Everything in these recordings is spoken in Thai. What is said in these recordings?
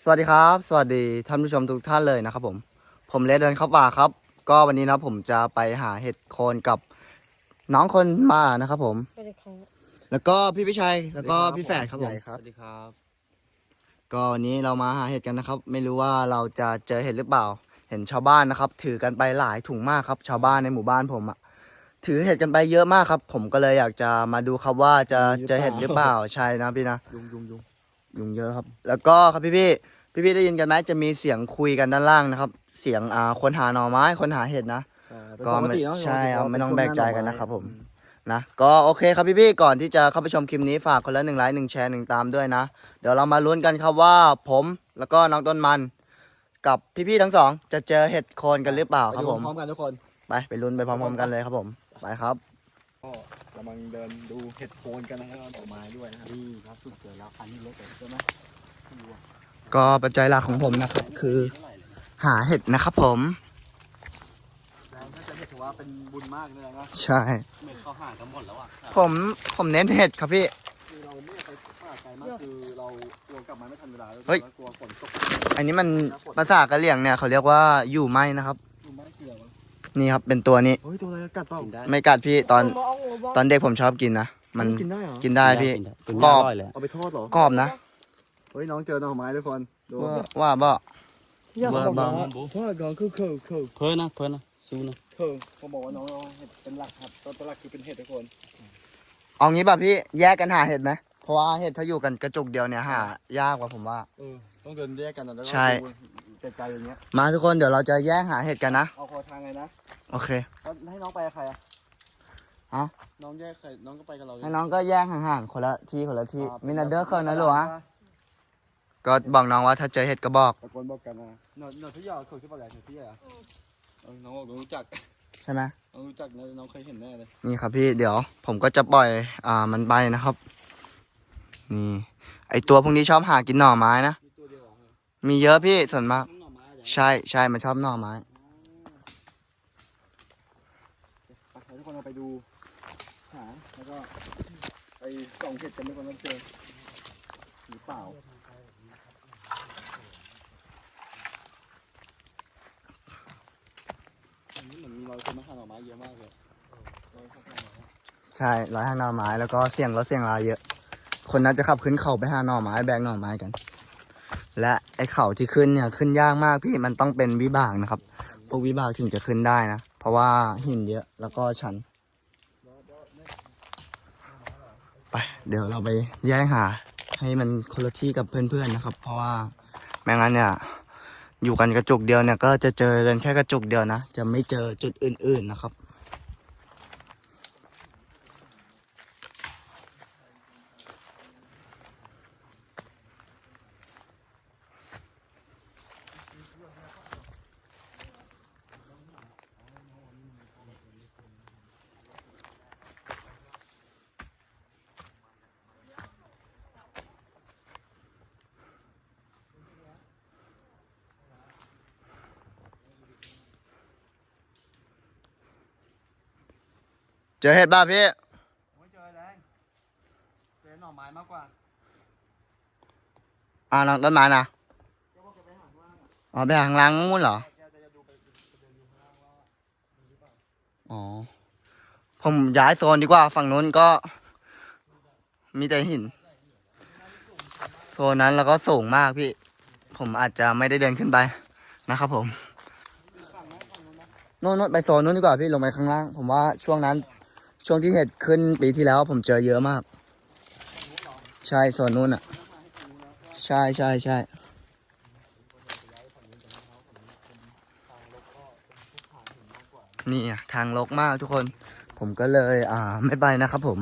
วัสดีครับสวัสดีท่านผู้ชมทุกท่านเลยนะครับผมเลสเดินเข้าป่าครับก็วันนี้นะผมจะไปหาเห็ดโคนกับน้องคนมานะครับผมสวัสดีครับแล้วก็พี่พิชัยแล้วก็พี่แฝดครับผมสวัสดีครับก็วันนี้เรามาหาเห็ดกันนะครับไม่รู้ว่าเราจะเจอเห็ดหรือเปล่าเห็นชาวบ้านนะครับถือกันไปหลายถุงมากครับชาวบ้านในหมู่บ้านผมอะถือเห็ดกันไปเยอะมากครับผมก็เลยอยากจะมาดูครับว่าจะเจอเห็ดหรือเปล่าใช่นะพี่นะยุงเยอะครับแล้วก็ครับพี่ได้ยินกันไหมจะมีเสียงคุยกันด้านล่างนะครับเสียงคนหาหน่อไม้คนหาเห็ดนะก็ไม่ใช่เอาไม่ต้องแบกใจกันนะครับผมนะก็โอเคครับพี่ก่อนที่จะเข้าไปชมคลิปนี้ฝากคนละ1 ไลค์1 แชร์1 ตามด้วยนะเดี๋ยวเรามาลุ้นกันครับว่าผมแล้วก็น้องต้นมันกับพี่ทั้งสองจะเจอเห็ดโคนกันหรือเปล่าครับผมพร้อมกันทุกคนไปลุ้นไปพร้อมๆกันเลยครับผมไปครับก็กำลังเดินดูเห็ดโคนกันนะครับดอกไม้ด้วยนะครับนี่ครับสุดเกิดแล้วคันนี้เล็กใช่ไหมก็ปัจจัยหลักของผมนะครับคือหาเห็ดนะครับผมแล้วก็จะถือว่าเป็นบุญมากเลยนะใช่เหมือนเขาหากันหมดแล้วอ่ะผมเน้นเห็ดครับพี่คือเราไม่ไปป่าไกลมากคือเรากลัวกลับมาไม่ทันเวลาแล้วเฮ้ยกลัวฝนตกอันนี้มันภาษากะเหรี่ยงเนี่ยเขาเรียกว่าอยู่ไหมนะครับดูไม่เกี่ยวมั้งนี่ครับเป็นตัวนี้เฮ้ยตัวอะไรกัดเปล่าไม่กัดพี่ตอนเด็กผมชอบกินนะมันกินได้เหรอกินได้พี่กินกรได้อบอร่อยเลยเอาไปทอดเหรอกรอบนะเฮ้ยน้องเจอหน่อไม้ทุกคนดูว่าบ่เยอะเบอร์บางทอดก่อนคือเพิ่นนะสู้นะเขาบอกว่าน้องเราเห็ดเป็นหลักครับตัวหลักคือเป็นเห็ดทุกคนเอางี้ป่ะพี่แยกกันหาเห็ดไหมเพราะว่าเห็ดถ้าอยู่กันกระจุกเดียวเนี่ยหายากกว่าผมว่าต้องเดินแยกกันนะแล้วก็ใช่ดูไกลๆอย่างเงี้ยมาทุกคนเดี๋ยวเราจะแยกหาเห็ดกันนะเอาคอทางไงนะโอเคแล้วให้น้องไปกับใครอ่ะฮะน้องแยกใครน้องก็ไปกับเราเลยให้น้องก็แยกห่างๆคนละที่มินาเดอร์เคิร์นนะหรอวะก็บอกน้องว่าถ้าเจอเห็ดก็บอกตะโกนบอกกันนะหน่อยที่ยาวเคยขึ้นมาแล้วที่อ่ะน้องบอกน้องรู้จักใช่ไหมน้องรู้จักนะน้องเคยเห็นแน่เลยนี่ครับพี่เดี๋ยวผมก็จะปล่อยมันไปนะครับ นี่ไอตัวพวกนี้ชอบหากินหน่อไม้นะมีตัวเดียวเหรอมีเยอะพี่ส่วนมากน้องหน่อไม้อะใช่มันชอบหน่อไม้ไปทุกคนเราไปดูหาแล้วก็ไปส่องเห็ดกันทุกคนต้องเจอหรือเปล่าอันนี้เหมือนมีรอยคนมาหาหน่อไม้เยอะมากเลยรอยคนมาหาหน่อไม้ใช่ร้อยหาหน่อไม้แล้วก็เสี่ยงรถเสี่ยงราเยอะ คนนั้นจะขับขึ้นเขาไปหาหน่อไม้แบกหน่อไม้กัน และไอเขาที่ขึ้นเนี่ยขึ้นยากมากพี่มันต้องเป็นวิบากนะครับพวกวิบากถึงจะขึ้นได้นะเพราะว่าหินเยอะแล้วก็ชันไปเดี๋ยวเราไปแยกหาให้มันคนละที่กับเพื่อนๆนะครับ เพราะว่าไม่งั้นเนี่ยอยู่กันกระจุกเดียวเนี่ยก็จะเจอกันแค่กระจุกเดียวนะจะไม่เจอจุดอื่นๆนะครับเจอเห็ดบ้าพี่ไม่เจอแดงเจอหน่อไม้มากกว่าน้องต้นไม้นะแกบอกแกไปหาข้างล่างอ่ะอ๋อไปหาข้างล่างนู่นเหรอแกจะดูไปเดินดูข้างล่างว่ามีหรือเปล่าอ๋อผมย้ายโซนดีกว่าฝั่งนู้นก็มีแต่หินโซนนั้นแล้วก็สูงมากพี่ผมอาจจะไม่ได้เดินขึ้นไปนะครับผมนู่นไปโซนนู้นดีกว่าพี่ลงไปข้างล่างผมว่าช่วงนั้นช่วงที่เห็ดขึ้นปีที่แล้วผมเจอเยอะมากใช่โซนนู้นอ่ะใช่นี่อะทางรกมากทุกคนผมก็เลยไม่ไปนะครับผม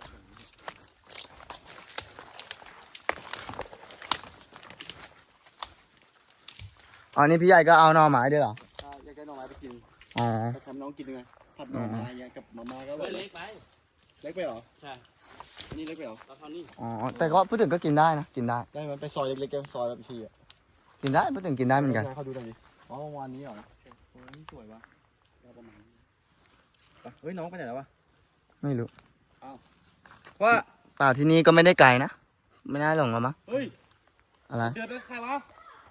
อ๋อนี่พี่ใหญ่ก็เอาหน่อไม้ด้วยเหรอถ้าอยากได้หน่อไม้ไปกินอ๋อไปทำน้องกินยังไงผัดหน่อไม้อย่างเงี้ยกับมาม่าก็อร่อยเล็กไปเล็กไปเหรอใช่อันนี่เล็กไปเหรอตอนเท่านี้อ๋อแต่ก็พูดถึงก็กินได้นะกินได้ได้มันไปซอยเล็กๆกันซอยแบบทีอ่ะกินได้พูดถึงกินได้เหมือนกันเขาดูตรงนี้อ๋อวันนี้เหรอโอ้ยนี่สวยวะก็ประมาณนี้ไปเฮ้ยน้องไปไหนแล้ววะไม่รู้ว่าป่าที่นี่ก็ไม่ได้ไกลนะไม่น่าหลงหรอมั้งเฮ้ยอะไรเดือดเป็นใครวะ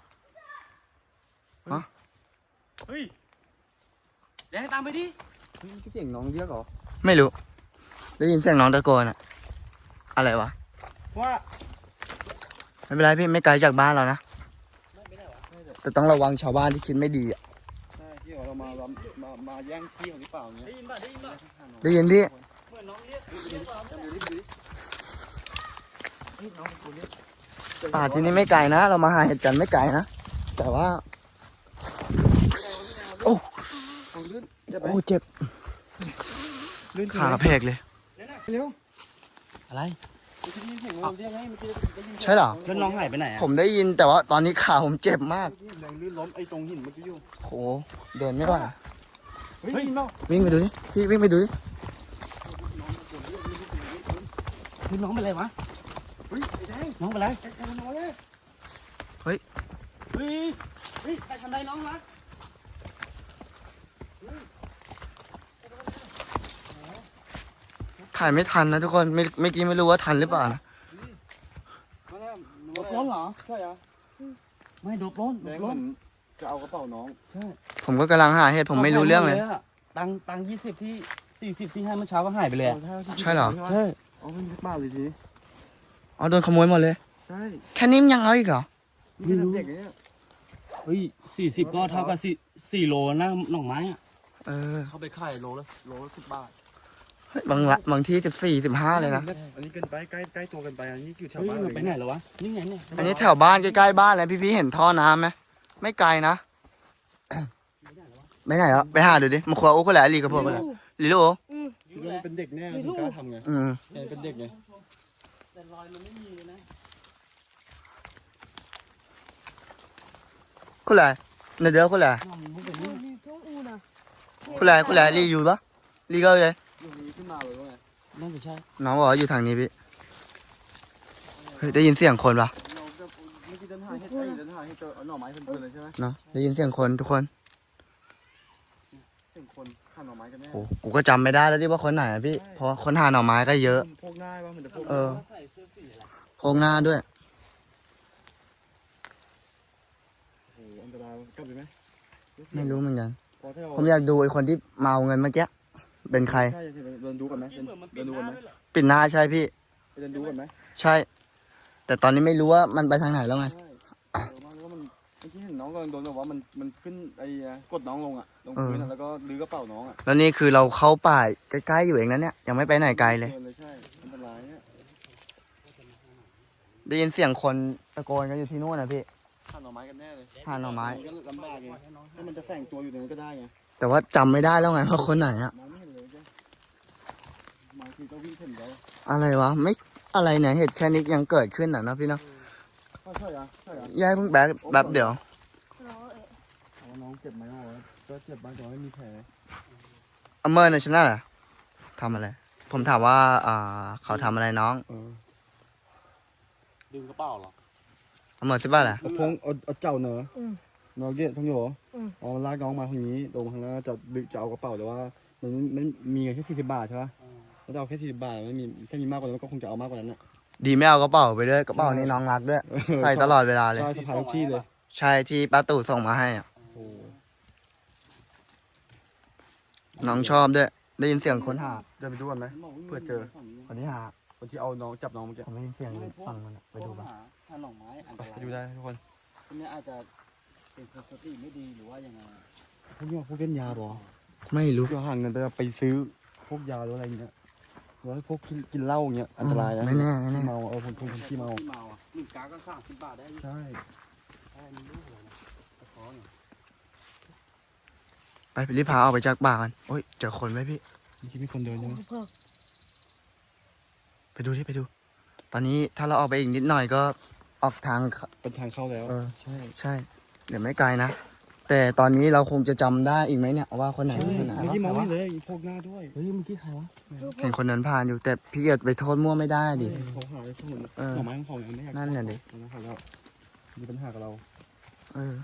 เฮ้ยแดงตามไปดิเฮ้ยเสียงน้องเรียกเหรอไม่รู้ ได้ยินเสียงน้องตะโกนอะอะไรวะว่าไม่เป็นไรพี่ไม่ไกลจากบ้านเรานะไม่ได้หรอแต่ต้องระวังชาวบ้านที่คิดไม่ดีอะใช่ที่เรามาแย่งที่ของหรือเปล่าเงี้ยได้ยินป่ะได้ยินป่ะได้ยินพี่เหมือนน้องเรียกเรียกเราจำดูดิน้องคนนี้ป่าที่นี่ไม่ไกลนะ เรามาหาเห็ดกันไม่ไกลนะ แต่ว่า โอ้เอาลื่นเจ็บไหมโอ้เจ็บลื่นขาเพกเลยเร็วอะไรเมื่อกี้ได้ยินเสียงน้องเรียกไงเมื่อกี้ได้ยินใช่เหรอแล้วน้องหายไปไหนอ่ะผมได้ยินแต่ว่าตอนนี้ขาผมเจ็บมากแรงลื่นล้มไอ้ตรงหินเมื่อกี้อยู่โหเดินไม่ไหวเฮ้ยได้ยินเปล่าวิ่งไปดูดิพี่วิ่งไปดูดิคือน้องเป็นไรวะเฮ้ยไอ้แดงน้องเป็นไรไอ้น้องเนี่ยเฮ้ยเฮ้ยใครทำไรน้องวะถ่ายไม่ทันนะทุกคนเมื่อกี้ไม่รู้ว่าทันหรือเปล่านะมาแล้วโดบล้นเหรอใช่เหรอไม่โดบล้นแดโดงบเหมืล้อน นจะเอากระเป๋าน้องใช่ผมก็กำลังหาเหตุผมไม่รู้เรื่องเลยตัง20ที่40ที่ให้เมื่อเช้าก็หายไปเลยอะใช่เหรอใช่เอาไม่มีบ้าเลยทีนี้อ๋อโดนขโมยหมดเลยใช่แค่นี้มันยังเอาอีกเหรอนี่ขนาดเด็กเนี่ยเฮ้ย40ก็เท่ากับ4โลนะหน่อไม้อ่ะเออเขาไปขายโลละ10 บาทเฮ้ยบางที่14 15เลยนะอันนี้เกินไปใกล้ตัวเกันไปอันนี้อยู่แถวเฮ้ยบ้านมันไปไหนแล้ววะนี่ไงเนี่ยอันนี้แถวบ้านใกล้ๆบ้านเลยพี่ๆเห็นท่อน้ำไหมไม่ไกลนะ ไม่ไหนแล้วไปหาดูดิมาครัวโอ้ก็แหละลีกับพวกก็แหละลีลูกโอ้คิดว่ามันเป็นเด็กแน่ถึงกล้าทำไงอืมเนี่ยเป็นเด็กไงแต่รอยมันไม่มีเลยนะคุณแหละในเดือคุณแหละน้องมันเป็นนี่คุณแหละลีอยู่ปะลีก็เลยอยู่นี้ขึ้นมาเลยว่าไงน่าจะใช่น้องบอกว่าอยู่ทางนี้พี่เฮ้ยได้ยินเสียงคนปะเราจะเมื่อกี้เดินหาเห็ดเดินหาเห็ดเจอเอาหน่อไม้เพลินๆเลยใช่ไหมเนาะได้ยินเสียงคนทุกคนเห็นคนหาหน่อไม้กันแน่โอ้กูก็จำไม่ได้แล้วที่ว่าคนไหนอะพี่เพราะว่าคนหาหน่อไม้ก็เยอะพวกง่ายป่ะมันจะพวกเออใส่เสื้อสีอะไรโพงงาด้วยโอ้โหอันตรายกลับไปไหมไม่รู้เหมือนกันพอถ้าผมอยากดูไอ้คนที่เมาเงินเมื่อกี้เป็นใครใช่เดินดูกันไหมที่เหมือนมันปิเดิดนดูหกันน้าไหมด้วยเหรอปิดหน้าใช่พี่ไปเดินดูกันไหมใช่ แต่ตอนนี้ไม่รู้ว่ามันไปทางไหนแล้วไงใช่เออมาแล้วมันเมื่อกี้เห็นน้องกำลังโดนแบบว่ามันขึ้นไอ้กดน้องลงอ่ะลงพื้นแล้วก็ลื้อกระเป๋าน้องอ่ะแล้วนี่คือเราเข้าป่าใกล้ๆอยู่เองนะเนี่ยยังไม่ไปไหนไกลเลยใช่อันตรายเนี่ยได้ยินเสียงคนตะโกนกันอยู่ที่นู่นนะพี่หาหน่อไม้กันแน่เลยหาหน่อไม้ก็ลำบากไงถ้ามันจะแฝงตัวอยู่ตรงนั้นก็ได้ไงแต่ว่าจำไม่ได้แล้วไงว่าคนไหนอะมองไม่เห็นเลยจ้ะบางทีก็วิ่งเห็นแล้วอะไรวะไม่อะไรเนี่ยเหตุแค่นี้ยังเกิดขึ้นอ่ะเนาะพี่เนาะใช่เหรอใช่เหรอย้ายเพิ่งแบบเดี๋ยวน้องเจ็บไหมอ๋อก็เจ็บบ้างแต่ว่าไม่มีแผลอเมอร์เนชั่นแนลทำอะไร ผมถามว่าเขาทำอะไรน้องดึงกระเป๋าเหรออเมอร์สิบ้าแหละเอาพงเอาเจ้าเนอะน้องเกศทั้งอยู่เหรออ๋อลากน้องมาทางนี้ลงทางนั้นจะเอากระเป๋าแต่ว่ามันมีเงินแค่40 บาทใช่ปะแล้วเอาแค่40 บาทไม่มีถ้ามีมากกว่านั้นก็คงจะเอามากกว่านั้นอ่ะดีไม่เอากระเป๋าไปด้วยกระเป๋านี้น้องรักด้วย ใส่ตลอดเวลาเลยใช่สะพายทุกที่เลยใช่ที่ป้าตู่ส่งมาให้อะโอ้น้องชอบด้วย ได้ยินเสียงคนหาเดินไปดูกันไหม เผื่อเจอคนที่หาคนที่เอาน้องจับน้องเมื่อกี้ผมได้ยินเสียงเลยฟังมันอะไปดูกันหาหน่อไม้อันตรายไปดูได้ทุกคนคนนี้อาจจะเป็นคนสติไม่ดีหรือว่ายังไงพวกนี้พวกเล่นยาบ่ไม่รู้เดี๋ยวหาเงินไปซื้อพวกยาหรืออะไรอย่างเงี้ยหรือว่าพวกกินเหล้าอย่างเงี้ยอันตรายนะไม่แน่ไม่แน่เมาคนขี้เมาที่เมาอ่ะ1 กาก็30 บาทได้ใช่ใช่มันรู้เลยนะกระท้อนไปรีบพาออกไปจากบ้านกันโอ้ยเจอคนไหมพี่เมื่อกี้มีคนเดินใช่ไหมไปดูที่ไปดู ตอนนี้ถ้าเราออกไปอีกนิดหน่อยก็ออกทางเป็นทางเข้าแล้วเออใช่ใช่ เดี๋ยวไม่ไกลนะ แต่ตอนนี้เราคงจะจำได้อีกไหมเนี่ยว่าคนไหนเป็นคนไหนเมื่อกี้มองไม่เลยพวกหน้าด้วยเฮ้ยเมื่อกี้ใครวะเห็นคนเดินผ่านอยู่ แต่พี่จะไปโทษมั่วไม่ได้ดิเขาหาพวกมันเออหน่อไม้ของเขาเนี่ยไม่อยากนั่นน่ะดิหน่อไม้ของเรามีปัญหากับเราเออ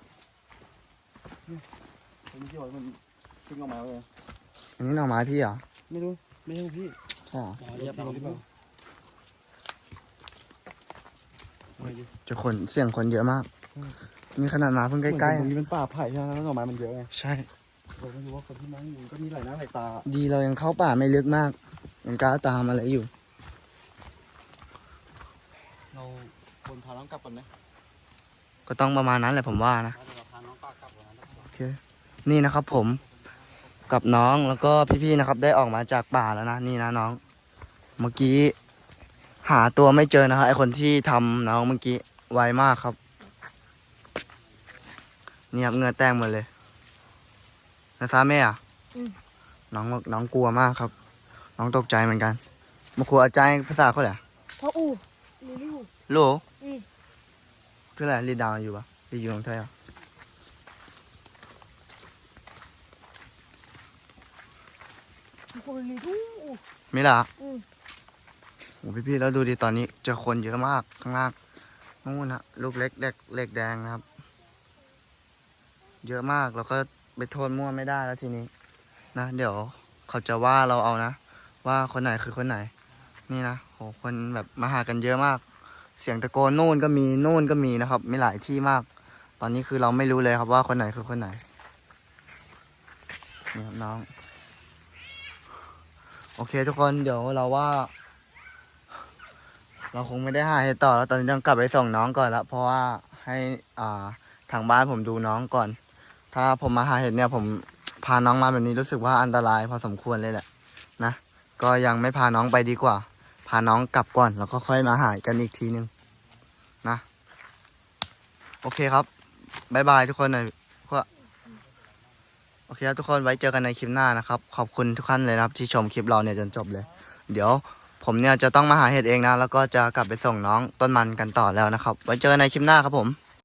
ผมไม่คิดว่ามันขึ้นออกมาเลยอันนี้หน่อไม้พี่เหรอไม่รู้ไม่ใช่พี่ใช่เหรอเรียบร้อยหรือเปล่าเจะคนเสียงคนเยอะมากนี่ขนาดมาเพิ่งใกล้ตรงนี้เป็นป่าไผ่ใช่ไหมแล้วหน่อไม้มันเยอะไงๆใช่เราไม่รู้ว่าคนที่นั่งอยู่ก็มีหลายหน้าหลายตาดีเรายังเข้าป่าไม่ลึกมากยังกล้าตามอะไรอยู่เราควรพาน้องกลับก่อนไหมก็ต้องประมาณนั้นแหละผมว่านะเดี๋ยวเราพาน้องป้ากลับก่อนนะโอเคนี่นะครับผมกับน้องแล้วก็พี่ๆนะครับได้ออกมาจากป่าแล้วนะนี่นะน้อง เมื่อกี้หาตัวไม่เจอนะครับไอคนที่ทำน้องเมื่อกี้ไวมากครับนี่ครับเหงื่อแตกหมดเลยนะซาแม่อะน้องกลัวมากครับ น้องตกใจเหมือนกันมาครูอาจารย์ภาษาเขาเหรอเพราะอูมีลูกโลอืมคืออะไรรีดดาวอยู่ปะรีดอยู่ตรงไทยอ่ะคนมีลูกไม่ล่ะอืมโอ้พี่ๆแล้วดูดิตอนนี้เจอคนเยอะมากข้างล่างนู่นนะลูกเล็กเล็กแดงนะครับ เยอะมากแล้วก็ไปโทษมั่วไม่ได้แล้วทีนี้นะเดี๋ยวเขาจะว่าเราเอานะว่าคนไหนคือคนไหน นี่นะโหคนแบบมาหากันเยอะมาก เสียงตะโกนนู่นก็มีนู่นก็มีนะครับมีหลายที่มาก ตอนนี้คือเราไม่รู้เลยครับว่าคนไหนคือคนไหนนี่ครับน้องโอเคทุกคนเดี๋ยวเราว่า เราคงไม่ได้หาเหตุต่อแล้วตอนนี้ต้องกลับไปส่งน้องก่อนละเพราะว่าให้ทางบ้านผมดูน้องก่อน ถ้าผมมาหาเห็ดเนี่ยผมพาน้องมาแบบนี้รู้สึกว่าอันตรายพอสมควรเลยแหละนะก็ยังไม่พาน้องไปดีกว่า พาน้องกลับก่อนแล้วก็ค่อยมาหากันอีกทีนึงนะโอเคครับบ๊ายบายทุกคนหน่อยพวกโอเคครับทุกคนไว้เจอกันในคลิปหน้านะครับขอบคุณทุกท่านเลยนะครับที่ชมคลิปเราเนี่ยจนจบเลย เดี๋ยวผมเนี่ยจะต้องมาหาเห็ดเองนะแล้วก็จะกลับไปส่งน้องต้นมันกันต่อแล้วนะครับไว้เจอกันในคลิปหน้าครับผม